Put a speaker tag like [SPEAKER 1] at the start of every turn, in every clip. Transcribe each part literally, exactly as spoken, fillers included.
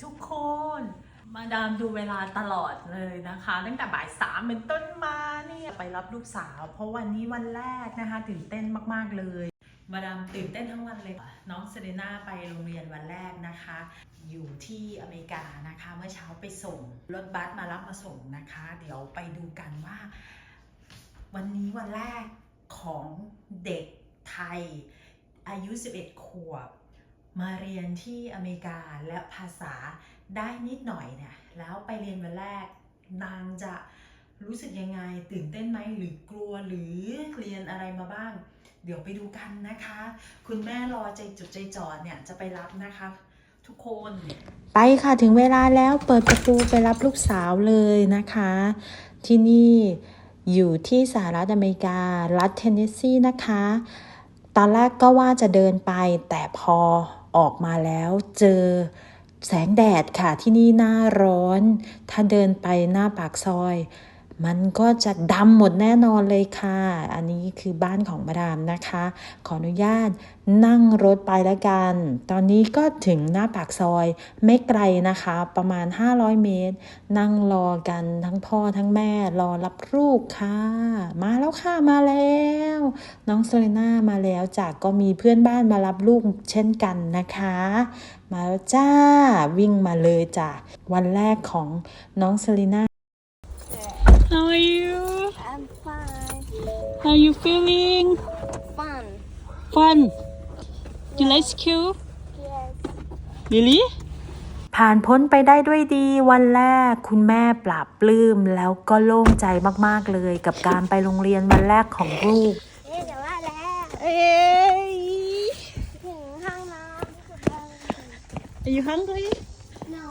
[SPEAKER 1] ทุกคนมาดามดูเวลาตลอดเลยนะคะตั้งแต่บ่ายสามเป็นต้นมาเนี่ยไปรับลูกสาวเพราะวันนี้วันแรกนะคะตื่นเต้นมากๆเลยมาดามตื่นเต้นทั้งวันเลยน้องเซเรน่าไปโรงเรียนวันแรกนะคะอยู่ที่อเมริกานะคะเมื่อเช้าไปส่งรถบัสมารับมาส่งนะคะเดี๋ยวไปดูกันว่าวันนี้วันแรกของเด็กไทยอายุสิบเอ็ดขวบมาเรียนที่อเมริกาและภาษาได้นิดหน่อยเนี่ยแล้วไปเรียนวันแรกนางจะรู้สึกยังไงตื่นเต้นไหมหรือกลัวหรือเรียนอะไรมาบ้างเดี๋ยวไปดูกันนะคะคุณแม่รอใจจดใจจ่อเนี่ยจะไปรับนะคะทุกคนไปค่ะถึงเวลาแล้วเปิดประตูไปรับลูกสาวเลยนะคะที่นี่อยู่ที่สหรัฐอเมริการัฐเทนเนสซีนะคะตอนแรกก็ว่าจะเดินไปแต่พอออกมาแล้วเจอแสงแดดค่ะที่นี่หน้าร้อนถ้าเดินไปหน้าปากซอยมันก็จะดำหมดแน่นอนเลยค่ะอันนี้คือบ้านของมาดามนะคะขออนุญาตนั่งรถไปแล้วกันตอนนี้ก็ถึงหน้าปากซอยไม่ไกลนะคะประมาณห้าร้อยเมตรนั่งรอกันทั้งพ่อทั้งแม่รอรับลูกค่ะมาแล้วค่ะมาแล้วน้องเซเลน่ามาแล้วจากก็มีเพื่อนบ้านมารับลูกเช่นกันนะคะมาแล้วจ้าวิ่งมาเลยจ้ะวันแรกของน้องเซเลน่าHow are you?
[SPEAKER 2] I'm fine.
[SPEAKER 1] How you feeling?
[SPEAKER 2] Fun.
[SPEAKER 1] Fun. You like school?
[SPEAKER 2] Yes.
[SPEAKER 1] Really? ผ่านพ้นไปได้ด้วยดีวันแรกคุณแม่ปลาบปลื้มแล้วก็โล่งใจมากๆเลยกับการไปโรงเรียนวันแรกของลูก
[SPEAKER 2] เอ๊ะเดี๋ยวว่าแล้วเอ้ยถึงห้องน้ำ
[SPEAKER 1] Are you hungry?
[SPEAKER 2] No.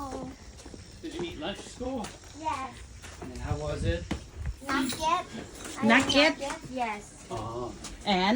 [SPEAKER 3] Did you eat lunch at school?
[SPEAKER 2] Yes.
[SPEAKER 3] And how was it?
[SPEAKER 2] Not yet. I
[SPEAKER 1] Not
[SPEAKER 2] have
[SPEAKER 1] yet?
[SPEAKER 2] Yes.
[SPEAKER 3] Oh.
[SPEAKER 1] And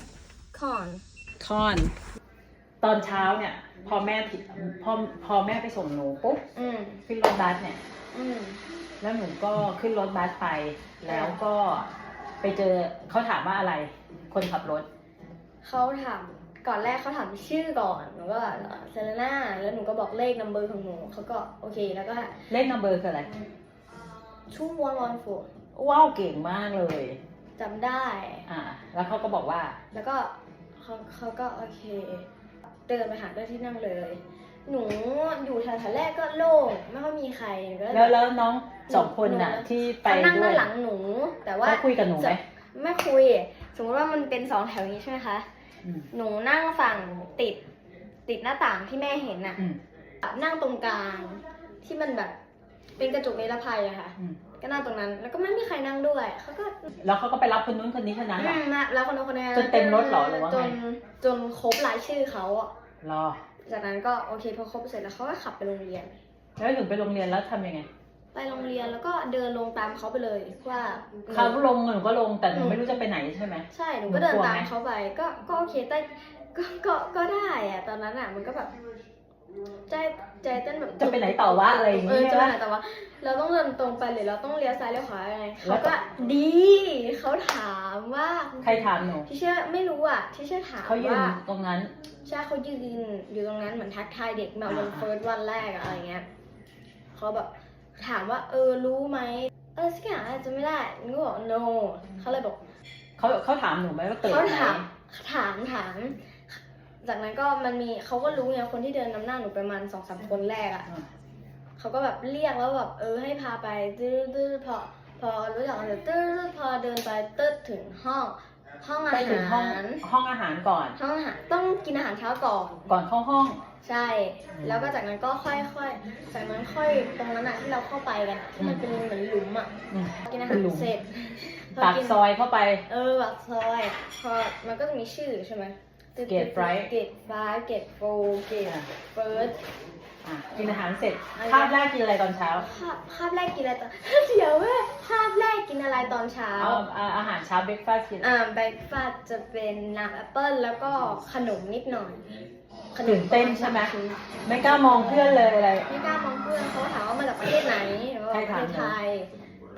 [SPEAKER 2] Corn.
[SPEAKER 1] corn ตอนเช้าเนี่ยพอแม่ผิดพอพอแม่ไปส่งหนูปุ๊บ
[SPEAKER 2] อืม
[SPEAKER 1] ขึ้นรถบัสเนี่ย
[SPEAKER 2] อืม
[SPEAKER 1] แล้วหนูก็ขึ้นรถบัสไปแล้วก็ไปเจอเขาถามว่าอะไรคนขับรถ
[SPEAKER 2] เขาถามก่อนแรกเขาถามชื่อก่อนหนูก็เซเลน่าแล้วหนูก็บอกเลขนัมเบอร์ของหนูเขาก็โอเคแล้วก็
[SPEAKER 1] เลขนัมเบอร์คืออะไร
[SPEAKER 2] ชูวันวันฟู
[SPEAKER 1] ว้าวเก่งมากเลย
[SPEAKER 2] จำได้
[SPEAKER 1] อ่าแล้วเขาก็บอกว่า
[SPEAKER 2] แล้วก็เขาเขาก็โอเคเดินไปหาเจ้าที่นั่งเลย หนูอยู่แถวๆแรกก็โล่งไม่ค่อยมีใครก็
[SPEAKER 1] แล้วแล้วน้องสองคนน่ะที่ไป
[SPEAKER 2] เขานั่ง
[SPEAKER 1] ด้ว
[SPEAKER 2] ด้าย นหลังหนู แต่ว่า
[SPEAKER 1] เขาคุยกับหนูไหม
[SPEAKER 2] ไม่คุย สมมติว่ามันเป็นสองแถวนี้ใช่ไหมคะ
[SPEAKER 1] อืม
[SPEAKER 2] หนูนั่งฝั่งติดติดหน้าต่างที่แม่เห็นน่ะ
[SPEAKER 1] อืม
[SPEAKER 2] นั่งตรงกลางที่มันแบบเป็นกระจกนิรภัยอะค่ะ
[SPEAKER 1] อืม
[SPEAKER 2] ก็นั่งตรงนั้น แล้วก็ไม่มีใครนั่งด้วยเขาก็
[SPEAKER 1] แล้วเขาก็ไปรับคนนู้นคนนี้คนนั้นเหรอ
[SPEAKER 2] อืมนะแล้วคนนั้นคนนี้
[SPEAKER 1] จนเต็มรถเหรอหรือว่าไง
[SPEAKER 2] จนจนครบรายชื่อเขาอะ
[SPEAKER 1] รอ
[SPEAKER 2] จากนั้นก็โอเคพอครบเสร็จแล้วเขาก็ขับไปโรงเรียน
[SPEAKER 1] แล้วถึงไปโรงเรียนแล้วทำยังไง
[SPEAKER 2] ไปโรงเรียนแล้วก็เดินลงตามเขาไปเลยว่า
[SPEAKER 1] เขาลงหนูก็ลงแต่หนูไม่รู้จะไปไหนใช่ไหม
[SPEAKER 2] ใช่หนูก็เดิน
[SPEAKER 1] หนูกลัว
[SPEAKER 2] ตาม
[SPEAKER 1] ไหม
[SPEAKER 2] เขาไปก็ก็โอเคแต่ก็ก็ก็ได้อะตอนนั้นอะมันก็แบบใจใจเต้นแบบ
[SPEAKER 1] จะไปไหนต่อวะอะไรอย่าง
[SPEAKER 2] เอ
[SPEAKER 1] เงี้
[SPEAKER 2] อย จะไปไหนแต่ว่า เราต้องเดินตรงไปหรือเราต้องเลี้ยวซ้ายเลี้ยวขวายังไง
[SPEAKER 1] แล้
[SPEAKER 2] เขา
[SPEAKER 1] วก็
[SPEAKER 2] ก็ดีเขาถามว่า
[SPEAKER 1] ใครถามหนู
[SPEAKER 2] ที่เชื่อไม่รู้อ่ะที่เชื่อถาม
[SPEAKER 1] เขายืน
[SPEAKER 2] ว่า
[SPEAKER 1] ตรงนั้น
[SPEAKER 2] ใช่เขายืนอยู่ตรงนั้นเหมือนทักทายเด็กแบบวัน
[SPEAKER 1] อ่า
[SPEAKER 2] เฟิร์สวันแรกอะอะไรเงี้ยเขาแบบถามว่าเออรู้ไหมเออสักอย่างอาจจะไม่ได้หนูก็บอก no เขาเลยบอก
[SPEAKER 1] เขาเขาถามหนูไหมว่าตื่น
[SPEAKER 2] เขา
[SPEAKER 1] ไหม
[SPEAKER 2] ถามถามถาม จากนั้นก็มันมีเขาก็รู้ไงคนที่เดินนำหน้าหนูประมาณสองสามคนแรกอะ
[SPEAKER 1] อืม
[SPEAKER 2] เขาก็แบบเรียกแล้วแบบเออให้พาไปตื้อตื้อพอพอรู้จักกันเสร็จตื้อพอเดินไปตื้อถึงห้องห้องอา
[SPEAKER 1] ไปถึงห้อง
[SPEAKER 2] หาร
[SPEAKER 1] ห้องอาหารก่อน
[SPEAKER 2] ห้องอาหารต้องกินอาหารเช้าก่อน
[SPEAKER 1] ก่อนเข้าห้อง
[SPEAKER 2] ใช่ แล้วก็จากนั้นก็ค่อยๆจากนั้นค่อยตรงนั้นอะที่เราเข้าไปกันอะที่มันเป็นเหมือนหลุมอะ
[SPEAKER 1] อืม
[SPEAKER 2] กินอาหารเสร็จพ
[SPEAKER 1] ปาก
[SPEAKER 2] กิน
[SPEAKER 1] ซอยเข้าไป
[SPEAKER 2] เออปากซอยพอมันก็จะมีชื่อใช่ไหม
[SPEAKER 1] Gate Five
[SPEAKER 2] เกตไฟเกตโฟเกตเฟิร์ส
[SPEAKER 1] อ่ะกินอาหารเสร็จ
[SPEAKER 2] อะไร
[SPEAKER 1] คาบแรกกินอะไรตอนเช้า
[SPEAKER 2] คาบคาบแรกกินอะไรตอน เดี๋ยวแม่คาบแรกกินอะไรตอนเช้า
[SPEAKER 1] เอาเอาอาหารเช้าเบรกฟาสต์กิน
[SPEAKER 2] อ่าเบรกฟาสต์จะเป็นน้ำแอปเปิ้ลแล้วก็ขนมนิดหน่อยขน
[SPEAKER 1] ตื่
[SPEAKER 2] ม
[SPEAKER 1] นเต้นใช่ไหมไม่กล้ามองเพื่อนเลยอะไร
[SPEAKER 2] ไม่กล้ามองเพื่อนเขาถามว่ามาจากประเทศไหนหรือว่า
[SPEAKER 1] ใคร
[SPEAKER 2] ประ
[SPEAKER 1] ถาม
[SPEAKER 2] เทศไทยเพื่อนที่น้อง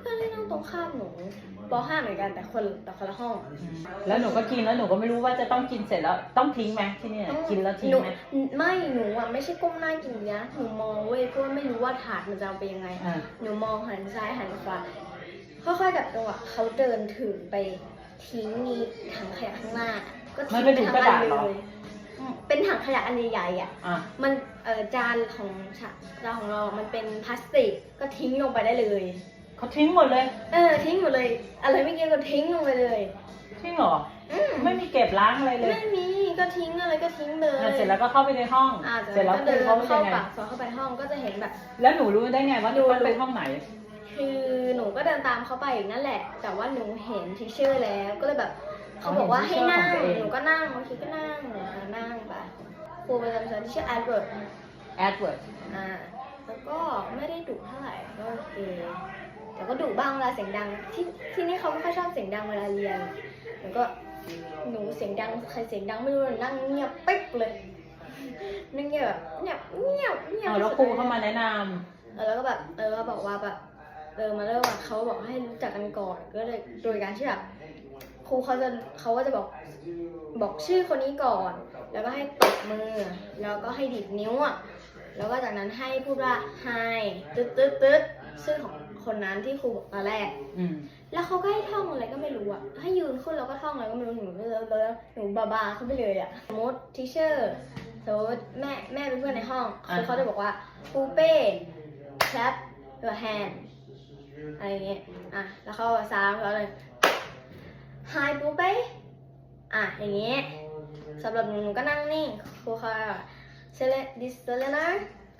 [SPEAKER 2] ตรงข้ามหนูป .ห้า เหมือนกันแต่คนแต่คนละห้อง
[SPEAKER 1] แล้วหนูก็กินแล้วหนูก็ไม่รู้ว่าจะต้องกินเสร็จแล้วต้องทิ้งไหมที่เนี่ยกินแล้วทิ้ง
[SPEAKER 2] หนู
[SPEAKER 1] ไหม
[SPEAKER 2] ไม่หนูอ่ะไม่ใช่ก้มหน้ากินนะหนูมองเว้ยเพราะว่าไม่รู้ว่าถาดมันจะเอาไปยังไง
[SPEAKER 1] อ่า
[SPEAKER 2] หนูมองหันซ้ายหันขวาค่อยๆกับจังหวะเขาเดินถือไปทิ้งมีถังขยะข้างหน้า ก็ทิ้งไปทั้งอันเลยอืมเป็นถังขยะอันใหญ่ๆอ่ะ
[SPEAKER 1] อ่ะ
[SPEAKER 2] มันเออจานของฉะจานของเรา มันเป็นพลาสติกก็ทิ้งลงไปได้เลย
[SPEAKER 1] เขาทิ้งหมดเลย
[SPEAKER 2] เออทิ้งหมดเลย อะไรไม่กินก็ทิ้งลงไปเลย
[SPEAKER 1] ทิ้งเหรอ
[SPEAKER 2] อืม
[SPEAKER 1] ไม่มีเก็บล้างอะไรเลย
[SPEAKER 2] ไม่มีก็ทิ้งอะไรก็ทิ้งเลย
[SPEAKER 1] อ่ะเสร็จแล้วก็เข้าไปในห้อง
[SPEAKER 2] อ่า
[SPEAKER 1] เสร็จแล้ว
[SPEAKER 2] ก็
[SPEAKER 1] คุ
[SPEAKER 2] เดิ
[SPEAKER 1] ย
[SPEAKER 2] น
[SPEAKER 1] เขา
[SPEAKER 2] เข้า
[SPEAKER 1] ยังไง
[SPEAKER 2] ปากซอยเข้าไปห้องก็จะเห็นแบบ
[SPEAKER 1] แล้วหนูรู้ได้ไงว่า
[SPEAKER 2] ดู
[SPEAKER 1] ต้องไปห้องไหน
[SPEAKER 2] คือหนูก็เดินตามเขาไปอีกนั่นแหละ แต่ว่าหนูเห็นทิเชอร์แล้วก็เลยแบบเขาบอกว่าให้นั่งหนูก็นั่งบางทีก็นั่งหนูก็นั่งไปครูประจำชั้นที่ชื่อแอดเวิร์ด
[SPEAKER 1] แอดเวิร์ด
[SPEAKER 2] อ่าแล้วก็ไม่ได้ดุเท่าไหร่ก็โอเคแต่ก็ดุบ้างเวลาเสียงดังที่ที่นี่เขาไม่ค่อยชอบเสียงดังเวลาเรียนแล้วก็หนูเสียงดังใครเสียงดังไม่รู้นั่งเงียบปิ๊กเลยนั่งเงียบแบบเงียบเงียบเงียบ
[SPEAKER 1] เอาแล้วครูเข้ามาแนะน
[SPEAKER 2] เออแล้วก็แบบเออก็บอกว่าแบบเออมาเริ่มว่าเขาบอกให้รู้จักกันก่อนก็เลยโดยการที่แบบครูเขาจะเขาก็จะบอกบอกชื่อคนนี้ก่อน แล้วก็ให้ตบมือแล้วก็ให้ดีดนิ้วอ่ะแล้วก็จากนั้นให้พูดว่า hi ตึ๊ดตึ๊ดตึ๊ดชื่อของคนนั้นที่ครูบอกตอนแรก
[SPEAKER 1] ำอืม
[SPEAKER 2] แล้วเขาก็ให้ท่องอะไรก็ไม่รู้อ่ะให้ยืนขึ้นแล้วก็ท่องอะไรก็ไม่รู้หนูแล้วแล้วหนูบาบาเขาไปเลยอ่ะสมมติทีเชอร์สมมติแม่แม่เป็นเพื่อนในห้องคือเขาจะบอกว่าปูเป้ clap your hand อะไรอย่างเงี้ยอ่ะแล้วเขาซ้ำเขาเลย hi ปูเป้อ่ะอย่างเงี้ยสำหรับหนูหนูก็นั่งนิ่งครูเขาเซเลดิสเซเลนา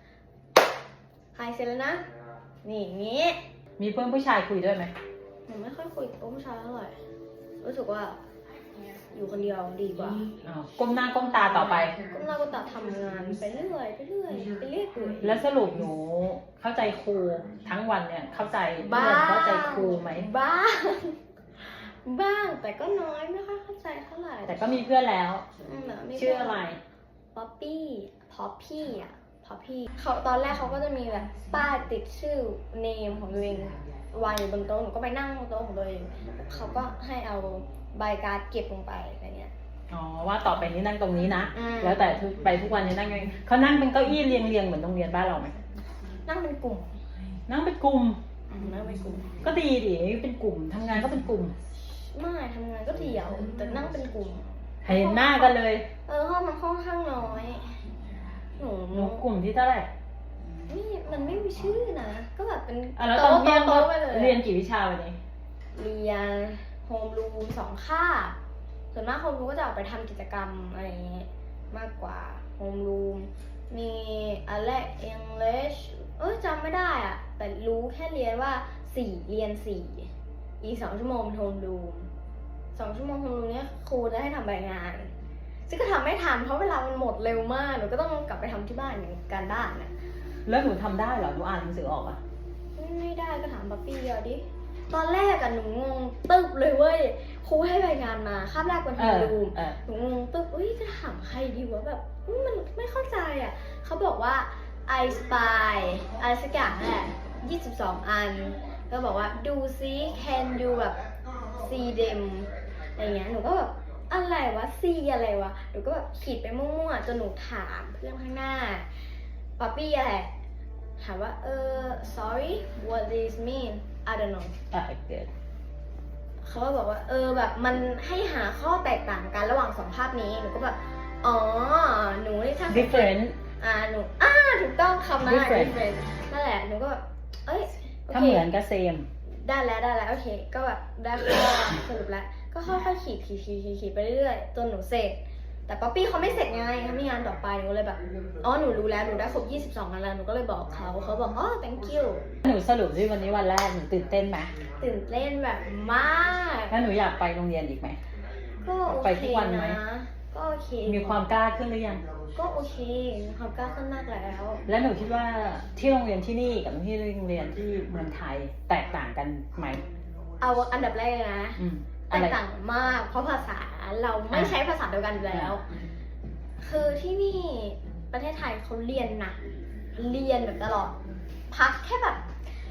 [SPEAKER 2] hi เซเลนานี่อย่างเงี้ย
[SPEAKER 1] มีเพื่อนผู้ชายคุยด้วยไหม
[SPEAKER 2] หนูไม่ค่อยคุยกับผู้ชายเท่าไหร่รู้สึกว่าอยู่คนเดียวดีกว่า
[SPEAKER 1] อ้าวก้มหน้าก้มตาต่อไป
[SPEAKER 2] ก็เราก็ตัดทำงานไปเรื่อยไปเรื่อยไปเรื่อยเปื่อย
[SPEAKER 1] แล้วสรุปหนูเข้าใจครูทั้งวันเนี่ยเข้าใจ
[SPEAKER 2] บ้า
[SPEAKER 1] เรียนเข้าใจครูไหม
[SPEAKER 2] บ้างบ้างแต่ก็น้อยไม่ค่อยเข้าใจเท่าไหร่
[SPEAKER 1] แต่ก็มีเพื่อนแล้ว
[SPEAKER 2] อืมแบบม่
[SPEAKER 1] ชื่ออะไร
[SPEAKER 2] ป๊อปปี้ป๊อปปี้อ่ะป๊อปปี้เขาตอนแรกเขาก็จะมีแบบป้ายติดชื่อเนมของตัวเองวางอยู่บนโต๊ะหนูก็ไปนั่งบนโต๊ะของตัวเองเขาก็ให้เอาใบการ์ดเก็บลงไปอะไรเงี้ย
[SPEAKER 1] อ๋อว่าต่อไปนี้นั่งตรงนี้นะ
[SPEAKER 2] อืม
[SPEAKER 1] แล้วแต่ทุกไปทุกวันนี้นั่งยังไงเขานั่งเป็นเก้าอี้เรียงเรียงๆเหมือนโรงเรียนบ้านเราไหม
[SPEAKER 2] นั่งเป็นกลุ่ม
[SPEAKER 1] นั่งเป็นกลุ่ม
[SPEAKER 2] อืมนั่งเป็นกลุ่ม
[SPEAKER 1] ก็ดีดิเป็นกลุ่มทำงานก็เป็นกลุ่ม
[SPEAKER 2] ไม่ทำงานก็เดี่ยวแต่นั่งเป็นกลุ่ม
[SPEAKER 1] เห็นหน้ากันเลย
[SPEAKER 2] เออห้องมันค่อนข้างน้อยหนู
[SPEAKER 1] หนูกลุ่มที่เท่าไหร่
[SPEAKER 2] นี่มันไม่มีชื่อนะ ก็แบบเป็น
[SPEAKER 1] อ่ะแล้วตอน
[SPEAKER 2] โต๊ะ
[SPEAKER 1] เที่ยง
[SPEAKER 2] โต๊ะไปเลย
[SPEAKER 1] เรียนกี่วิชาวันนี้
[SPEAKER 2] เรียนโฮมรูมสองคาบส่วนมากโฮมรูมก็จะออกไปทำกิจกรรมอะไรอย่างเงี้ยมากกว่าโฮมรูมมีอะไร English เอ้ยจำไม่ได้อะแต่รู้แค่เรียนว่าสี่เรียนสี่อีกสองชั่วโมงเป็นโฮมรูมสองชั่วโมงโฮมรูมเนี้ยครูจะให้ทำรายงาน ซึ่งก็ทำไม่ทันเพราะเวลามันหมดเร็วมากหนูก็ต้องกลับไปทำที่บ้านอย่างการบ้านน่ะ
[SPEAKER 1] แล้วหนูทำได้เหรอหนูอ่านหนังสือออกอ่ะ
[SPEAKER 2] ไม่ได้ก็ถามป๊อปปี้เดียวดิตอนแรกอะหนูงงตึ๊บเลยเว้ยครูให้รายงานมาคาบแรกวัน
[SPEAKER 1] เอ
[SPEAKER 2] ที่
[SPEAKER 1] อ
[SPEAKER 2] ดู
[SPEAKER 1] เออ
[SPEAKER 2] หนูงงตึ๊บเอ้ยจะถามใครดีวะแบบอุ๊ยมันไม่เข้าใจอะเขาบอกว่า I spy อะไรสักอย่างแหละยี่สิบสองอันก็บอกว่าดูซิ can you แบบ see them อะไรเงี้ยหนูก็แบบอะไรวะ see อะไรวะหนูก็แบบขีดไปมั่วๆจนหนูถามเพื่อนข้างหน้าป๊อปปี้อะไรถามว่าเออ sorry what this mean I don't know
[SPEAKER 1] อ่ะเกิด
[SPEAKER 2] เขาก็บอกว่าเออแบบมันให้หาข้อแตกต่างกันระหว่างสองภาพนี้หนูก็แบบอ๋อหนูนี่ถ้า
[SPEAKER 1] different
[SPEAKER 2] อ่าหนูอ่าถูกต้องคำนั้น
[SPEAKER 1] different
[SPEAKER 2] different นั่นแหละหนูก็แบบเอ้ยโอ
[SPEAKER 1] ถ้า
[SPEAKER 2] เค
[SPEAKER 1] เหมือนก็ same
[SPEAKER 2] ได้แล้วได้แล้วโอเคก็แบบได้ข้อสรุปแล้วก็ค่อยๆขีดขีดขีดขีดขีดไปเรื่อยๆจนหนูเสร็จแต่ป๊อปปี้เขาไม่เสร็จไงเขามีงานต่อไปหนูเลยแบบอ๋อหนูรู้แล้วหนูได้ครบยี่สิบสองอันแล้วหนูก็เลยบอกเขาเขาบอกอ๋อ thank you
[SPEAKER 1] หนูสรุปที่วันนี้วันแรกหนูตื่นเต้นไหม
[SPEAKER 2] ตื่นเต้นแบบมาก
[SPEAKER 1] แล้วหนูอยากไปโรงเรียนอีกไหม
[SPEAKER 2] ก็โอ
[SPEAKER 1] ไป
[SPEAKER 2] เค
[SPEAKER 1] ทุกวันไหม
[SPEAKER 2] นะก็โอเค
[SPEAKER 1] มีความกล้าขึ้นหรือยัง
[SPEAKER 2] ก็โอเคมีความกล้าขึ้นมากแล้ว
[SPEAKER 1] แล้วหนูคิดว่าที่โรงเรียนที่นี่กับที่โรงเรียนที่เมืองไทยแตกต่างกันไหม
[SPEAKER 2] เอาอันดับแรกเลยนะ
[SPEAKER 1] อืม
[SPEAKER 2] แต
[SPEAKER 1] อะไร
[SPEAKER 2] กต่างมากเพราะภาษาเราไม่ใช้ภาษาเดียวกันอยู่แล้ว คือที่นี่ประเทศไทยเขาเรียนหนักเรียนแบบตลอด พักแค่แบบ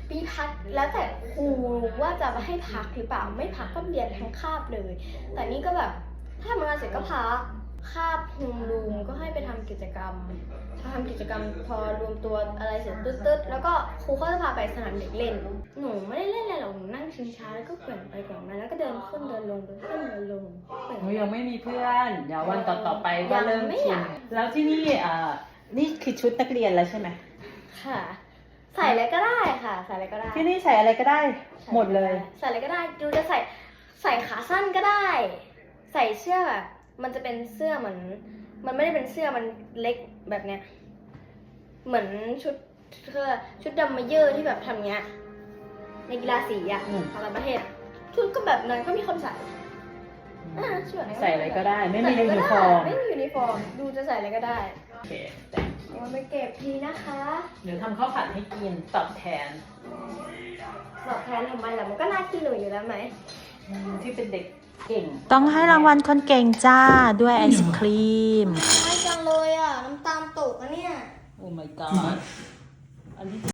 [SPEAKER 2] มีพักแล้วแต่ครูว่าจะให้พักหรือเปล่าไม่พักก็เรียนทั้งคาบเลย แต่นี่ก็แบบถ้าทำงานเสร็จก็พักคาบโฮมรูมก็ให้ไปทำกิจกรรมพอทำกิจกรรมพอรวมตัวอะไรเสร็จตึ๊ดๆแล้วก็ครูก็จะพาไปสนามเด็กเล่นหนูไม่ได้เล่นอะไรหรอกหนูนั่งชิงช้าแล้วก็แกว่งไปแกว่งมาแล้วก็เดินขึ้นเดินลงเดินขึ้นเดินลงแกว่ง
[SPEAKER 1] หนูยังไม่มีเพื่อน เดี๋ยววันต่อๆไปก็เริ่ม
[SPEAKER 2] ยังไม่
[SPEAKER 1] ชิ
[SPEAKER 2] อน ยาก
[SPEAKER 1] แล้วที่นี่อ่านี่คือชุดนักเรียนแล้วใช่ไหม
[SPEAKER 2] ค่ะ ใส่อะไรก็ได้ค่ะ ใส่อะไรก็ได้
[SPEAKER 1] ที่นี่ใส่อะไรก็ได้หมดเลย
[SPEAKER 2] ใส่อะไรก็ได้ยูจะใส่ใส่ขาสั้นก็ได้ ใส่เสื้อแบบมันจะเป็นเสื้อเหมือน มันไม่ได้เป็นเสื้อมันเล็กแบบเนี้ยเหมือนชุดเสื้อชุดดำมาเยอร์ที่แบบทำเงี้ยในกีฬาสีอ่ะ
[SPEAKER 1] อืม
[SPEAKER 2] ของต่างประเทศอะชุดก็แบบนั้นก็มีคนใส่อ่าชุดนั้น
[SPEAKER 1] ใส่อะไรก็ได้ ไม่มี
[SPEAKER 2] ใส่
[SPEAKER 1] ยู
[SPEAKER 2] อะ
[SPEAKER 1] นิ
[SPEAKER 2] ก็
[SPEAKER 1] ฟอร์ม
[SPEAKER 2] ไม่มียูนิฟอร์มดูจะใส่อะไรก็ได้
[SPEAKER 1] โอเคแต่
[SPEAKER 2] เอาไปเก็บทีนะคะ
[SPEAKER 1] เดี๋ยวทำข้าวผัดให้กินตอบแทน
[SPEAKER 2] ตอบแทนทำไมล่ะมันก็น่ากินหนูอยู่แล้วไหม
[SPEAKER 1] อืมที่เป็นเด็กเก่ง
[SPEAKER 4] ต้องให้รางวัลคนเก่งจ้าด้วยไอศครีม
[SPEAKER 2] ไม่จังเลยอ่ะน้ำตาลตกอะเนี่ย
[SPEAKER 1] โอ้ my god อันนี้